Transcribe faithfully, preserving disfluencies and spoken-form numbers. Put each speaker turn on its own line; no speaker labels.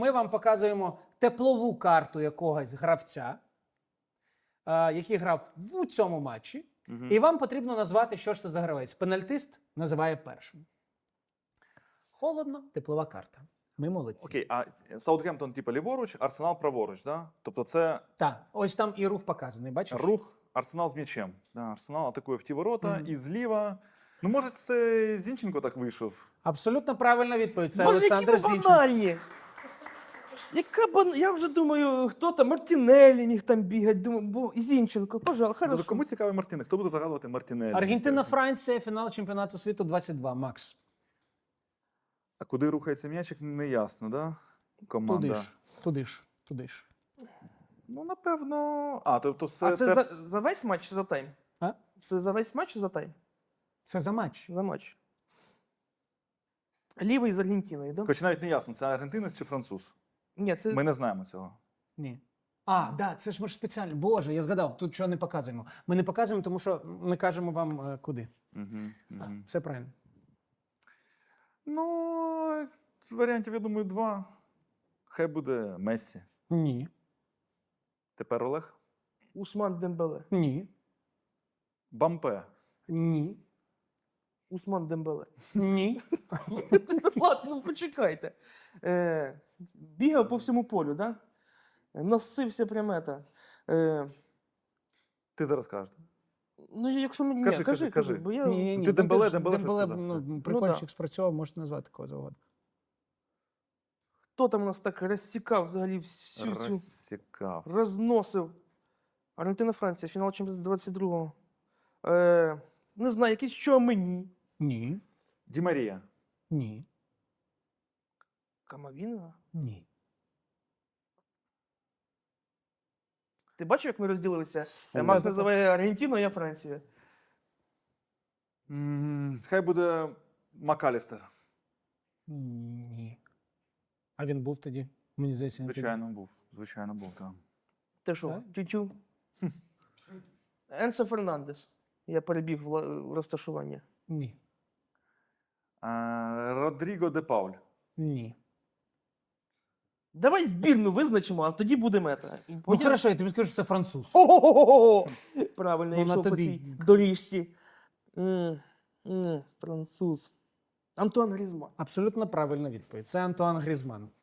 Ми вам показуємо теплову карту якогось гравця, е, який грав в цьому матчі.
Угу.
І вам потрібно назвати, що ж це за гравець. Пенальтист називає першим. Холодно, теплова карта. Ми молодці.
Окей, а Саутгемптон, типу, ліворуч, Арсенал праворуч, да? Тобто це
Так, ось там і рух показаний, бачиш?
рух, Арсенал з м'ячем. Да, Арсенал атакує в ті ворота,
Мгм.
і зліва. Ну, може, це Зінченко так вийшов?
Абсолютно правильна відповідь. Це
Боже,
Олександр
які ви
Зінченко.
банальні! Яка бан... Я вже думаю, хто там, Мартінеллі міг там бігати, думаю, бо Зінченко, пожалуйста,
Ну,
хорошо.
кому цікавий Мартинель? Хто буде загадувати Мартінелі?
Аргентина-Франція, фінал чемпіонату світу двадцять два. Макс.
А куди рухається м'ячик, не ясно, да? Команда.
Туди ж, туди ж, туди ж.
Ну, напевно. А, тобто все
А це,
це...
За, за весь матч чи за тайм?
А?
Це за весь матч чи за тайм?
Це за матч.
За матч. Лівий з Аргентиною, да?
Хоч навіть не ясно, це аргентинець чи француз.
Ні, це...
Ми не знаємо цього.
Ні. А, да, це ж ми ж спеціально. Боже, я згадав, тут чого не показуємо. Ми не показуємо, тому що не кажемо вам е, куди.
Угу,
А,
угу.
все правильно.
Ну, варіантів, я думаю, два. Хай буде Мессі.
Ні.
Тепер Олег.
Усман Дембеле.
Ні.
Бампе.
Ні.
Усман Дембеле.
Ні.
Ладно, ну почекайте. Е, бігав по всьому полю, да? Носився прямо это. Е,
Ти зараз кажеш.
ну, якщо мені...
Кажи,
Ні,
кажи,
кажи,
кажи.
кажи, бо я...
Ні, ні, ні.
Ти
Ну,
Дембеле,
ж-
Дембеле щось сказав.
ну, прикольчик
да.
спрацьовував, можете назвати кого завгодно.
Хто там у нас так розсікав взагалі всю цю...
Розсікав.
Розносив. Аргентина-Франція, фінал чемпіонату двадцять другого. Е, не знаю, якийсь що мені.
Ні.
Ді Марія.
Ні.
Камавінга?
Ні.
Ти бачив, як ми розділилися?
Фу.
Макс називає Аргентину, а я Францію.
М, Хай буде Макалістер.
Ні. А він був тоді? Мені здається, він тоді.
Звичайно, був. Звичайно, був, так.
Ти що,
Так?
тютю? Енсо Фернандес. Я перебіг в ла- в розташування.
Ні.
А, Родріго де Пауль.
Ні.
Давай збірну визначимо, а тоді буде мета. І
Ну,
потім-
хорошо, я тобі скажу, що це француз.
О-о-о-о! Правильно,
Ну,
я
на
йшов по
тобі.
цій доріжці. М, м, Француз. Антуан Грізман.
Абсолютно правильна відповідь. Це Антуан Грізман.